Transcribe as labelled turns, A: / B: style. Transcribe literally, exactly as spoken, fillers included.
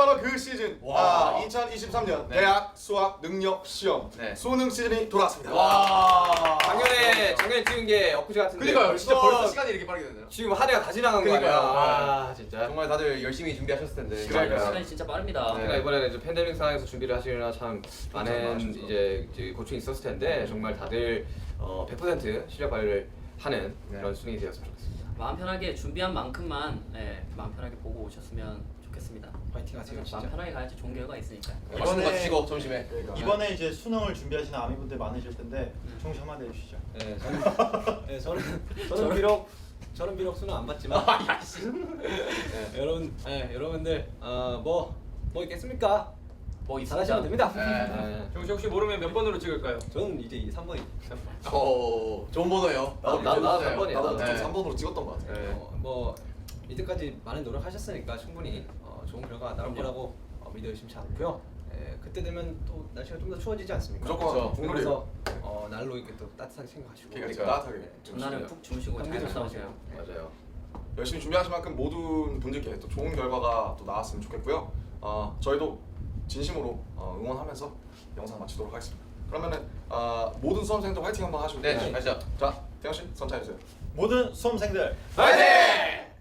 A: 바로 그 시즌. 아, 이천이십삼 년
B: 네.
A: 대학 수학 능력 시험
B: 네.
A: 수능 시즌이 돌아왔습니다.
B: 와. 작년에 작년에 찍은 게 엊그제 같은데.
C: 그러니까요. 진짜
B: 벌써
C: 벌써 시간이 이렇게 빠르게 되네요.
B: 지금 한 해가 다 지나간 거 아니야?
C: 그러니까요.
B: 와 진짜.
C: 정말 다들 열심히 준비하셨을 텐데.
A: 그러니까요.
D: 시간이 진짜 빠릅니다.
B: 제가 이번에는 이제 팬데믹 상황에서 준비를 하시느라 참 많은
A: 아쉽죠.
B: 이제, 이제 고충이 있었을 텐데 정말 다들 어, 백 퍼센트 실력 발휘를 하는
C: 네.
B: 그런 수능이 되었으면 좋겠습니다.
D: 마음 편하게 준비한 만큼만 예, 마음 편하게 보고 오셨으면 좋겠습니다.
B: 파이팅 하세요
D: 마음 편하게 가야지 좋은 결과 있으니까.
C: 맛있는 거 드시고 점심에.
A: 그러니까.
E: 이번에 이제 수능을 준비하시는 아미분들 많으실 텐데 총시 한마디 해주시죠.
F: 네, 저는, 네, 저는 저는 비록 저는 비록 수능 안 봤지만 네, 여러분, 네, 여러분들 어뭐뭐 뭐 있겠습니까?
D: 뭐
F: 잘하시면 됩니다.
B: 네.
G: 정시 혹시 모르면 몇 번으로 찍을까요?
F: 저는 이제 삼 번이
C: 오, 좋은 번호예요.
B: 나도 나도 나도 삼 번이야.
A: 나도
B: 나도.
A: 좀 삼 번으로 찍었던 것 같아.
B: 네.
F: 어, 뭐 이때까지 많은 노력하셨으니까 충분히 어, 좋은 결과 나올 거라고 어, 믿어 의심치 않고요. 예, 그때 되면 또 날씨가 좀 더 추워지지 않습니까?
A: 무조건
F: 그래서
A: 국룰이에요.
F: 어, 날로 이렇게 또 따뜻하게 생각하시고
A: 그러니까
C: 그러니까.
A: 따뜻하게.
D: 전날은 푹 주무시고 잘
F: 감기
D: 갔다 오세요.
B: 맞아요.
A: 열심히 준비하신 만큼 모든 분들께 또 좋은 결과가 또 나왔으면 좋겠고요. 어, 저희도 진심으로 어, 응원하면서 영상 마치도록 하겠습니다. 그러면은 어, 모든 수험생들 화이팅 한번 하시고.
C: 네, 가시죠.
A: 자, 태영 씨 선차해 주세요.
E: 모든 수험생들
A: 화이팅!